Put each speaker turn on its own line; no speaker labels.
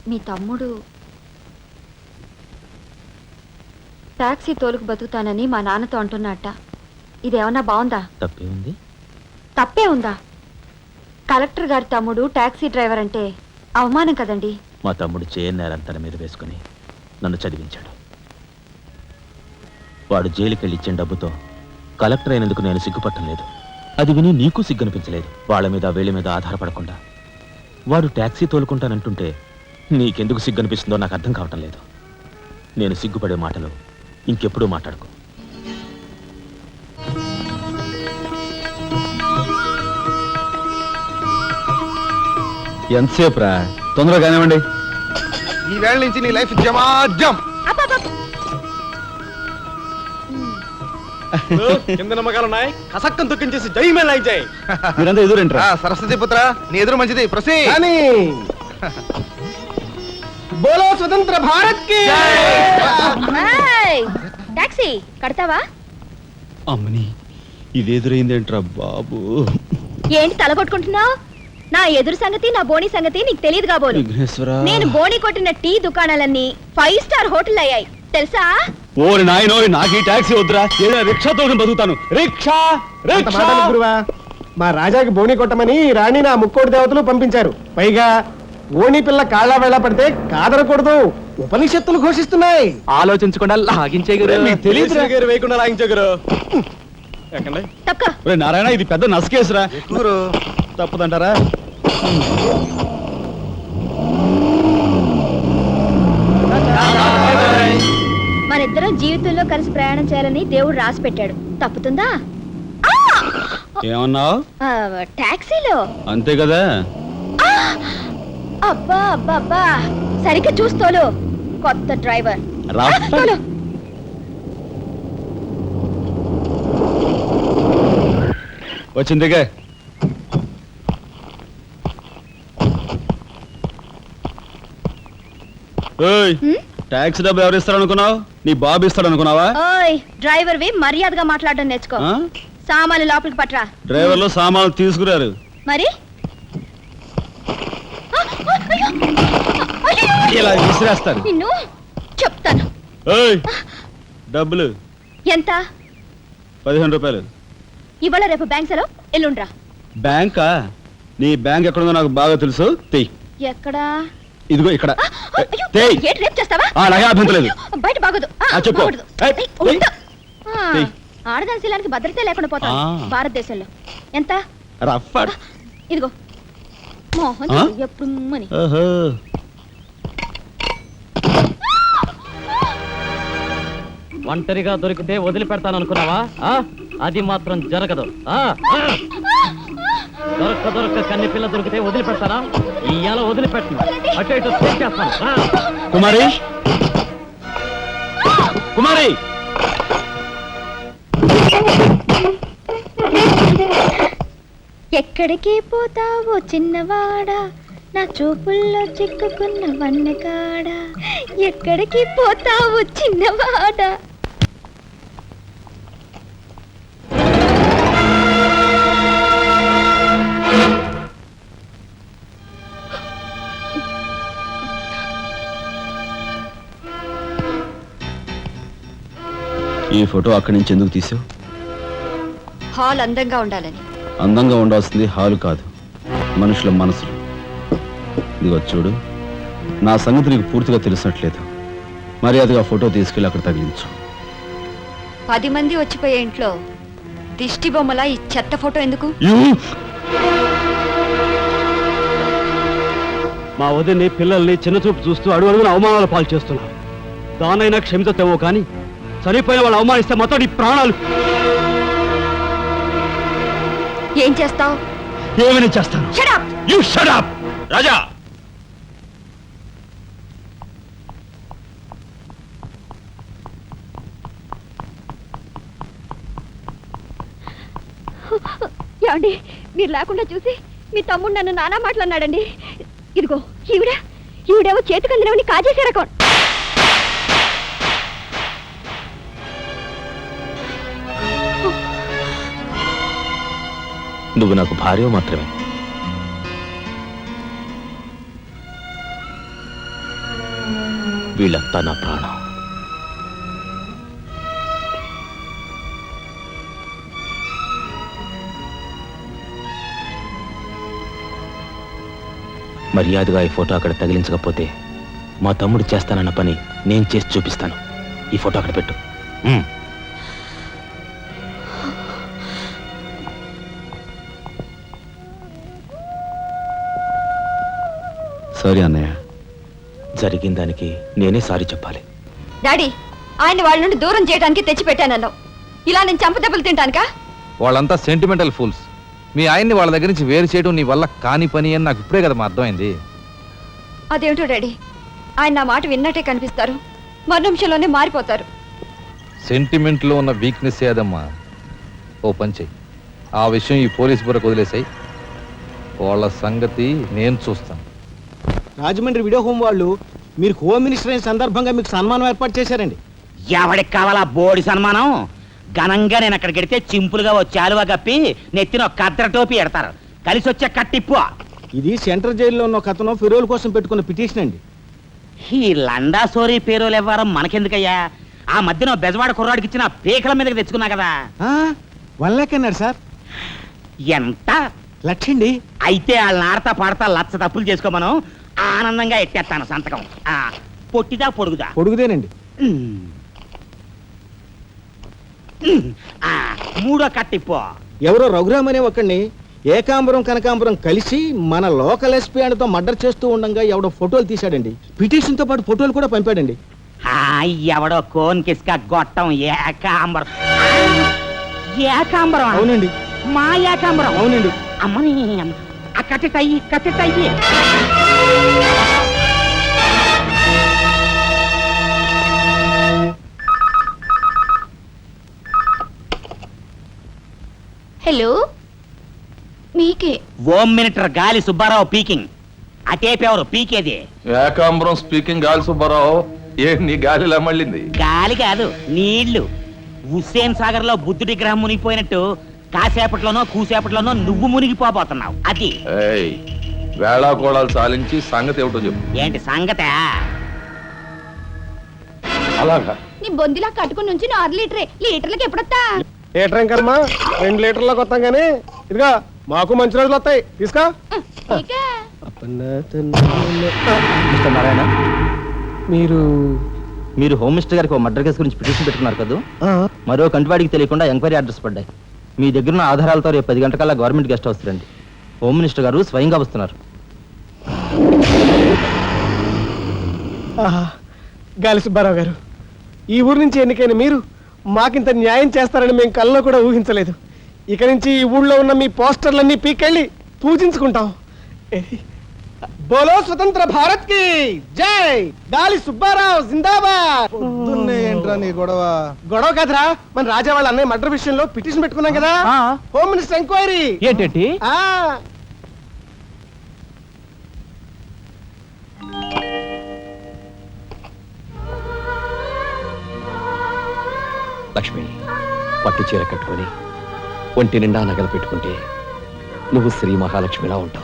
మీ తమ్ముడు టాక్సీ తోలుకు బతుకుతానని మా నాన్నతో అంటున్నట్ట. ఇదేమన్నా బాగుందా? తప్పే ఉందా? కలెక్టర్ గారి తమ్ముడు టాక్సీ డ్రైవర్ అంటే అవమానం కదండి.
మా తమ్ముడు చేయన్నారని తన మీద వేసుకుని నన్ను చదివించాడు. వాడు జైలుకెళ్ళి ఇచ్చిన డబ్బుతో కలెక్టర్ అయినందుకు నేను సిగ్గుపట్టం లేదు. అది విని నీకు సిగ్గనిపించలేదు. వాళ్ళ మీద వీళ్ళ మీద ఆధారపడకుండా వాడు టాక్సీ తోలుకుంటానంటుంటే నీకెందుకు సిగ్గనిపిస్తుందో నాకు అర్థం కావటం లేదు. నేను సిగ్గుపడే మాటలు ఇంకెప్పుడూ మాట్లాడుకో.
ఎంతసేపు రా? తొందరగా కానివ్వండి.
ఈ వేళ నుంచి నీ లైఫ్ జమాజం.
కింద నమ్మకాలున్నాయి. కసక్కం తొక్కించేసి జై మే లై జై.
మీరంతా ఎదురేంట్రా?
సరస్వతి పుత్ర, నీ ఎదురు మంచిది. ప్రసీ
బోలో స్వతంత్ర భారత్ కి
టాక్సీ కడతావా?
అమ్మని ఇదెదురైందేంట్రా బాబు?
ఏంటి తల కొట్టుకుంటున్నావు? నా ఎదురు సంగతి నా బోని సంగతి నీకు తెలియదు కాబోలు. నేను బోని కొట్టిన టీ దుకాణాలన్నీ 5 స్టార్ హోటల్ అయ్యాయి తెలుసా?
ఓరి నాయనో, నాకు ఈ టాక్సీ వద్దురా. ఏదో రిక్షాతో బతుకుతాను. రిక్షా
గురువా, మా రాజాకి బోని కొట్టమని రాణి నా ముక్కోటి దేవతలు పంపించారు. పైగా ఓణి పిల్ల కాళ్ళ వేళ పడితే కాదరకూడదు, ఉపనిషత్తులు ఘోషిస్తున్నాయి.
ఆలోచించకుండా లాగించే
తెలియదు వేయకుండా లాగించగరు.
నారాయణ, ఇది పెద్ద నసకేసురా. తప్పదంటారా?
మనిద్దరం జీవితంలో కలిసి ప్రయాణం చేయాలని దేవుడు రాసి పెట్టాడు. తప్పుతుందా?
ఏమన్నావు?
టాక్సీలో
అంతే కదా.
అబ్బా అబ్బా అబ్బా, సరిగ్గా చూస్తోలు. కొత్త డ్రైవర్
వచ్చిందిగా. టాక్సీ డబ్బు ఎవరు ఇస్తారు అనుకున్నావు? నీ బాబు ఇస్తాడు అనుకున్నావా?
ఓయ్ డ్రైవర్ వి మర్యాదగా మాట్లాడడం నేర్చుకో. సామాన్లు లోపలికి పట్రా.
డ్రైవర్లు సామాన్లు తీసుకురారు.
మరి
ఇలా విసిరేస్తారు.
నిన్ను చెప్తాను.
డబ్బులు
ఎంత?
15 రూపాయలు.
ఇవాళ రేపు బ్యాంక్ సెలవు, ఎల్లుండ్రా.
బ్యాంకా? నీ బ్యాంక్ ఎక్కడుందో నాకు బాగా తెలుసు.
ఎక్కడా?
ఇదిగో ఇక్కడ.
బయట బాగోదు. ఆడదాని శీలానికి భద్రత లేకుండా పోతా భారతదేశంలో. ఎంత? ఇదిగో మోహన్ ఎప్పుడు మని.
ఒంటరిగా దొరికితే వదిలిపెడతాను అనుకున్నావా? అది మాత్రం జరగదు. దొరక్క కన్ని పిల్ల దొరికితే వదిలిపెడతానా? ఇయ్యాల వదిలిపెట్టను. అటు ఇటు చేస్తాను.
కుమారి, కుమారి,
ఎక్కడికి పోతావో చిన్నవాడా, నా చూపుల్లో చిక్కుకున్న వన్నకాడా. ఎక్కడికి పోతావో చిన్నవాడా.
ఈ ఫోటో అక్కడి నుంచి ఎందుకు తీసావు?
హాల్ అందంగా ఉండాలని.
అందంగా ఉండాల్సింది హాలు కాదు, మనుషుల మనసులు. ఇదిగో చూడు, నా సంగతి నీకు పూర్తిగా తెలిసినట్లేదు. మర్యాదగా ఫోటో తీసుకెళ్ళి అక్కడ తగిలించు.
10 మంది వచ్చిపోయే ఇంట్లో దిష్టి బొమ్మలా ఈ చెత్త ఫోటో ఎందుకు?
మా వదిని పిల్లల్ని చిన్నచూపు చూస్తూ అడుగున అవమానాలు పాలు చేస్తున్నారు. దానైనా క్షమితేమో కానీ చనిపోయిన వాళ్ళు అవమానిస్తే మొత్తం నీ ప్రాణాలు.
ఏం చేస్తావు?
ఏమైనా చేస్తాను.
రాజా,
ఏమండి, మీరు లేకుండా చూసి మీ తమ్ముడు నన్ను నానా మాట్లాడినాడండి. ఇదిగో ఈవిడేమో చేతికి అందినవని కాజేసే రకం.
నువ్వు నాకు భార్య మాత్రమే. వీళ్ళంతా నా ప్రాణం. మర్యాదగా ఈ ఫోటో అక్కడ తగిలించకపోతే మా తమ్ముడు చేస్తానన్న పని నేను చేసి చూపిస్తాను. ఈ ఫోటో అక్కడ పెట్టు.
సారీ అన్నయ్య.
జరిగిన దానికి నేనే సారీ చెప్పాలి.
డాడీ, ఆయన వాళ్ళ నుండి దూరం చేయడానికి తెచ్చిపెట్టానన్నావు. ఇలా నేను చంపదెబ్బలు తింటానుకా?
వాళ్ళంతా సెంటిమెంటల్ ఫూల్స్. మీ ఆయన్ని వాళ్ళ దగ్గర నుంచి వేరు చేయడం నీ వల్ల కాని పని అని నాకు ఇప్పుడే కదా అర్థమైంది.
అదేమిటో డాడీ, ఆయన నా మాట విన్నట్టే కనిపిస్తారు, మరు నిమిషంలోనే మారిపోతారు.
సెంటిమెంట్లో ఉన్న వీక్నెస్ ఏదమ్మా. ఓ పని చెయ్యి, ఆ విషయం ఈ పోలీస్ బుర్రకు వదిలేసాయి. వాళ్ళ సంగతి నేను చూస్తాను.
రాజమండ్రి వీడియో హోమ్ వాళ్ళు మీరు హోమ్ మినిస్టర్ అయిన సందర్భంగా మీకు సన్మానం ఏర్పాటు చేశారండి.
ఎవడికి కావాలా బోడి సన్మానం? ఘనంగా నేను అక్కడికి వెడితే చింపులుగా ఓ చాలువా కప్పి నెత్తిన ఒక కద్ర టోపీ ఎడతారు. కలిసి వచ్చే కట్టిప్పు.
ఇది సెంట్రల్ జైల్లో ఉన్న ఒక అతను ఫిరోల్ కోసం పెట్టుకున్న పిటిషన్ అండి.
ఈ లండా సోరీ పేరోలు ఇవ్వడం మనకెందుకయ్యా? ఆ మధ్యన బెజవాడ కుర్రాడికి ఇచ్చిన పీకల మీదకి తెచ్చుకున్నా కదా.
1 lakh అన్నాడు సార్.
ఎంత
లక్షండి.
అయితే వాళ్ళని ఆడతా పాడతా లచ్చ తప్పులు చేసుకోమను. ఆనందంగా ఎట్టేస్తాను సంతకం. పొట్టిదా పొడుగుదా?
పొడుగుదేనండి.
మూడో కట్టిప్పు.
ఎవరో రఘురామ్ అనే ఒకడిని ఏకాంబరం కనకాంబరం కలిసి మన లోకల్ ఎస్పీ తో మర్డర్ చేస్తూ ఉండగా ఎవడో ఫోటోలు తీశాడండి. పిటిషన్ తో పాటు ఫోటోలు కూడా పంపాడండి.
ఎవడో కోన్ కిస్క గొట్టం ఏకాంబరం. ఏకాంబరం?
అవునండి.
మా ఏకాంబరం?
అవునండి.
అమ్మని కట్టెటయ్యి కట్టెటయ్యి.
హలో, మీకే.
Home minister Gali Subbarao speaking. అటేపెవరు పీకేది?
ఏకాంబరం స్పీకింగ్. గాలి సుబ్బారావు, ఏ నీ గాలిలా మళ్ళింది?
గాలి కాదు, నీళ్లు. హుస్సేన్ సాగర్ లో బుద్ధుడి గ్రహం మునిగిపోయినట్టు కాసేపట్లోనో కూసేపట్లోనో నువ్వు మునిగిపోబోతున్నావు. అది
వేళాకోళాలు సాలించి సంగతి ఏమిటో చెప్పు.
ఏంటి సంగత?
అలాగా
నీ బొందిలా కట్టుకుని నుంచి 6 లీటరే. లీటర్లకి ఎప్పుడొస్తా?
లీటర్ ఇంకమ్మా 2 లీటర్లకు వస్తాం కానీ ఇదిగా మాకు మంచి రోజులు వస్తాయి. తీసుకో.
మిస్టర్ నారాయణ,
మీరు
మీరు హోమ్ మినిస్టర్ గారికి మర్డర్ కేసు గురించి పిటిషన్ పెట్టుకున్నారు కదా. మరో కంటివాడికి తెలియకుండా ఎంక్వైరీ ఆర్డర్స్ పడ్డాయి. మీ దగ్గర ఉన్న ఆధారాలతో రేపు 10 గంటకల్లా గవర్నమెంట్ గెస్ట్ హౌస్ రండి. హోమ్ మినిస్టర్ గారు స్వయంగా వస్తున్నారు.
గాలి సుబ్బారావు గారు, ఈ ఊరు నుంచి ఎన్నికైన మీరు మాకింత న్యాయం చేస్తారని మేము కల్లో కూడా ఊహించలేదు. ఇక నుంచి ఈ ఊళ్ళో ఉన్న మీ పోస్టర్లన్నీ పీకెళ్ళి పూజించుకుంటాం. బోలో స్వతంత్ర భారత్ కి జై. గాలి సుబ్బారావు జిందాబాద్.
ఏంట్రా నీ గొడవ?
గొడవ కాదురా, మన రాజా వాళ్ళ అన్నయ్య మర్డర్ విషయంలో పిటిషన్ పెట్టుకున్నాం కదా. Home minister enquiry.
ఏంటంటే
లక్ష్మి, పట్టు చీర కట్టుకొని ఒంటి నిండా నగలు పెట్టుకుంటే నువ్వు శ్రీ మహాలక్ష్మిలా ఉంటావు.